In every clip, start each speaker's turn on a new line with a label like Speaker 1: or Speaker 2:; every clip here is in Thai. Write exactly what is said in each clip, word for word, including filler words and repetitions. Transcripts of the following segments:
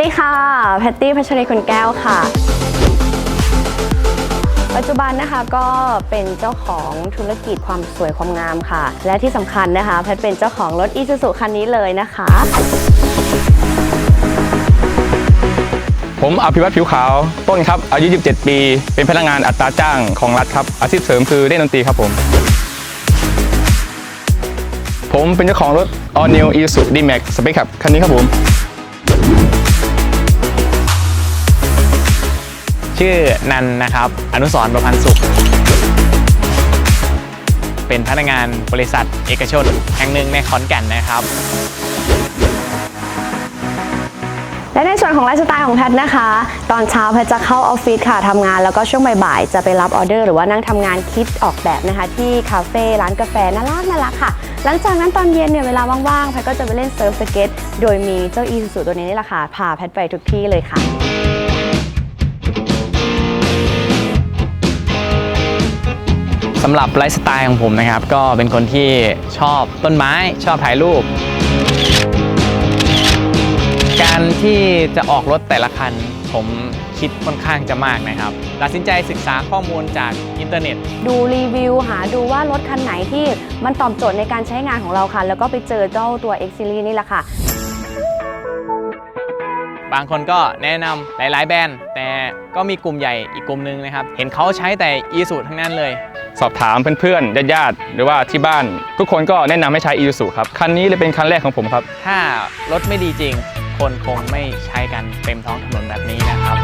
Speaker 1: ดีค่ะแพตตี้พัชรีคุณแก้วค่ะปัจจุบันนะคะก็เป็นเจ้าของธุรกิจความสวยความงามค่ะและที่สำคัญนะคะแพทเป็นเจ้าของรถ Isuzu คันนี้เลยนะคะ
Speaker 2: ผมอภิวัตผิวขาวต้นครับอายุยี่สิบเจ็ดปีเป็นพนักงานอัตราจ้างของรัฐครับอาชีพเสริมคือเล่นดนตรีครับผมผมเป็นเจ้าของรถ All New Isuzu D-Max Spec ครับคันนี้ครับผม
Speaker 3: ชื่อนันนะครับอนุสรณ์ประพันธ์สุขเป็นพนักงานบริษัทเอกชนแห่งหนึ่งในขอนแก่นนะครับ
Speaker 1: และในส่วนของไลฟ์สไตล์ของแพทนะคะตอนเช้าแพทจะเข้าออฟฟิศค่ะทำงานแล้วก็ช่วงบ่ายๆจะไปรับออเดอร์หรือว่านั่งทำงานคิดออกแบบนะคะที่คาเฟ่ร้านกาแฟน่ารักน่ารักค่ะหลังจากนั้นตอนเย็นเนี่ยเวลาว่างๆแพทก็จะไปเล่นเซิร์ฟสเก็ตโดยมีเจ้า Isuzu ตัวนี้นี่แหละค่ะพาแพทไปทุกที่เลยค่ะ
Speaker 3: สำหรับไลฟ์สไตล์ของผมนะครับก็เป็นคนที่ชอบต้นไม้ชอบถ่ายรูปการที่จะออกรถแต่ละคันผมคิดค่อนข้างจะมากนะครับตัดสินใจศึกษาข้อมูลจากอินเทอร์เน็ต
Speaker 1: ดูรีวิวหาดูว่ารถคันไหนที่มันตอบโจทย์ในการใช้งานของเราค่ะแล้วก็ไปเจอเจ้าตัว X Series นี่แหละค่ะ
Speaker 3: บางคนก็แนะนำหลายๆแบรนด์แต่ก็มีกลุ่มใหญ่อีกกลุ่มนึงนะครับเห็นเขาใช้แต่ Isuzu ทั้งนั้นเลย
Speaker 2: สอบถามเพื่อนๆญาติๆหรือว่าที่บ้านทุกคนก็แนะนำให้ใช้ Isuzu ครับคันนี้เลยเป็นคันแรกของผมครับ
Speaker 3: ถ้ารถไม่ดีจริงคนคงไม่ใช้กันเต็มท้องถนนแบบนี้นะครับ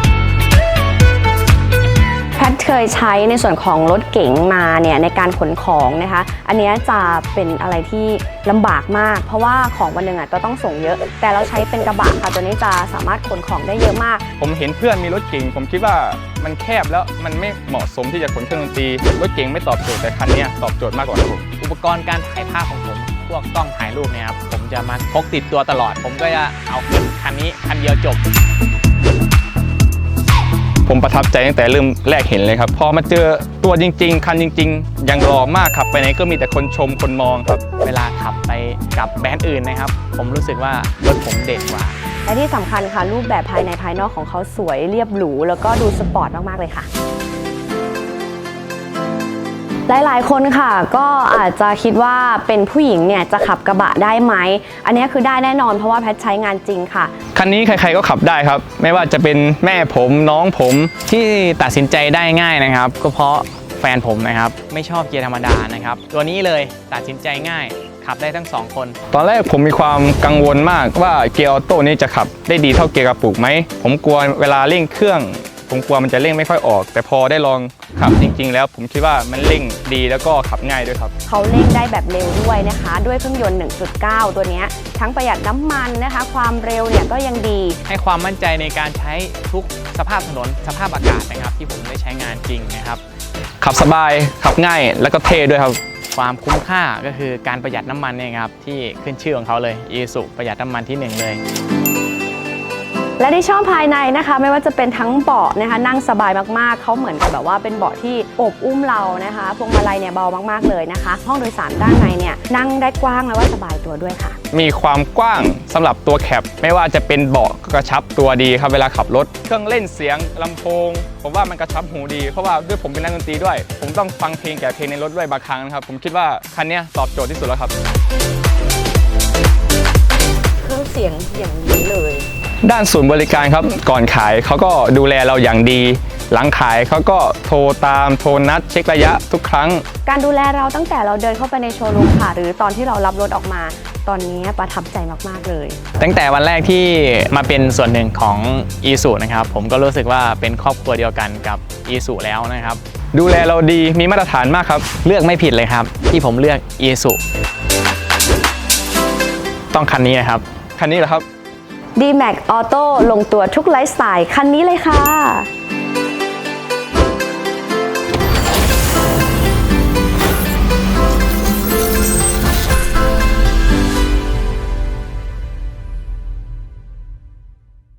Speaker 1: แพทเคยใช้ในส่วนของรถเก๋งมาเนี่ยในการขนของนะคะอันนี้จะเป็นอะไรที่ลำบากมากเพราะว่าของวันหนึ่งอ่ะก็ต้องส่งเยอะแต่เราใช้เป็นกระบะค่ะตัวนี้จะสามารถขนของได้เยอะมาก
Speaker 2: ผมเห็นเพื่อนมีรถเก๋งผมคิดว่ามันแคบแล้วมันไม่เหมาะสมที่จะขนเครื่องดนตรีรถเก๋งไม่ตอบโจทย์แต่คันนี้ตอบโจทย์มากกว่าครับผม
Speaker 3: อุปกรณ์การถ่ายภาพของผมพวกกล้องถ่ายรูปเนี่ยครับผมจะมาพกติดตัวตลอดผมก็จะเอาขึ้นคันนี้คันเดียวจบ
Speaker 2: ผมประทับใจตั้งแต่เริ่มแรกเห็นเลยครับพอมาเจอตัวจริงๆคันจริงๆยังหล่อมากครับไปไหนก็มีแต่คนชมคนมองครับ
Speaker 3: เวลาขับไปกับแบรนด์อื่นนะครับผมรู้สึกว่ารถผมเด่นกว่า
Speaker 1: และที่สำคัญค่ะรูปแบบภายในภายนอกของเขาสวยเรียบหรูแล้วก็ดูสปอร์ตมากๆเลยค่ะหลายๆคนค่ะก็อาจจะคิดว่าเป็นผู้หญิงเนี่ยจะขับกระบะได้ไหมอันนี้คือได้แน่นอนเพราะว่าแพทใช้งานจริงค่ะ
Speaker 2: คันนี้ใครๆก็ขับได้ครับไม่ว่าจะเป็นแม่ผมน้องผม
Speaker 3: ที่ตัดสินใจได้ง่ายนะครับก็เพราะแฟนผมนะครับไม่ชอบเกียร์ธรรมดานะครับตัวนี้เลยตัดสินใจง่ายขับได้ทั้งสองคน
Speaker 2: ตอนแรกผมมีความกังวลมากว่าเกียร์ออโต้นี้จะขับได้ดีเท่าเกียร์กระปุกไหมผมกลัวเวลาเร่งเครื่องผมกลัวมันจะเร่งไม่ค่อยออกแต่พอได้ลองขับจริงๆแล้วผมคิดว่ามันเร่งดีแล้วก็ขับง่ายด้วยครับ
Speaker 1: เขาเร่งได้แบบเร็วด้วยนะคะด้วยเครื่องยนต์ หนึ่งจุดเก้า ตัวนี้ทั้งประหยัดน้ำมันนะคะความเร็วเนี่ยก็ยังดี
Speaker 3: ให้ความมั่นใจในการใช้ทุกสภาพถนนสภาพอากาศนะครับที่ผมได้ใช้งานจริงนะครับ
Speaker 2: ขับสบายขับง่ายแล้วก็เท่ด้วยครับ
Speaker 3: ความคุ้มค่าก็คือการประหยัดน้ำมันเนี่ยครับที่ขึ้นชื่อของเขาเลย Isuzu ประหยัดน้ำมันที่หนึ่งเลย
Speaker 1: และที่ชอบภายในนะคะไม่ว่าจะเป็นทั้งเบาะนะคะนั่งสบายมากๆเขาเหมือนกับแบบว่าเป็นเบาะที่อบอุ้มเรานะคะพวงมาลัยเนี่ยเบามากๆเลยนะคะห้องโดยสารด้านในเนี่ยนั่งได้กว้างและว่าสบายตัวด้วยค่ะ
Speaker 2: มีความกว้างสำหรับตัวแคปไม่ว่าจะเป็นเบาะกระชับตัวดีครับเวลาขับรถเครื่องเล่นเสียงลำโพงผมว่ามันกระชับหูดีเพราะว่าด้วยผมเป็นนักดนตรีด้วยผมต้องฟังเพลงแก่เพลงในรถด้วยบางครั้งนะครับผมคิดว่าคันนี้ตอบโจทย์ที่สุดแล้วครับ
Speaker 1: เครื่องเสียงอย่างนี้เลย
Speaker 2: ด้านศูนย์บริการครับก่อนขายเขาก็ดูแลเราอย่างดีหลังขายเขาก็โทรตามโทรนัดเช็คระยะทุกครั้ง
Speaker 1: การดูแลเราตั้งแต่เราเดินเข้าไปในโชว์รูมค่ะหรือตอนที่เรารับรถออกมาตอนนี้ประทับใจมากๆเลย
Speaker 3: ตั้งแต่วันแรกที่มาเป็นส่วนหนึ่งของ Isuzu นะครับผมก็รู้สึกว่าเป็นครอบครัวเดียวกันกับ Isuzu แล้วนะครับ
Speaker 2: ดูแลเราดีมีมาตรฐานมากครับ
Speaker 3: เลือกไม่ผิดเลยครับที่ผมเลือก Isuzu ต้องคันนี้นะครับ
Speaker 2: คันนี้เหรอครับ
Speaker 1: D-Max Auto ลงตัวทุกไลฟ์สไตล์คันนี้เลยค่ะ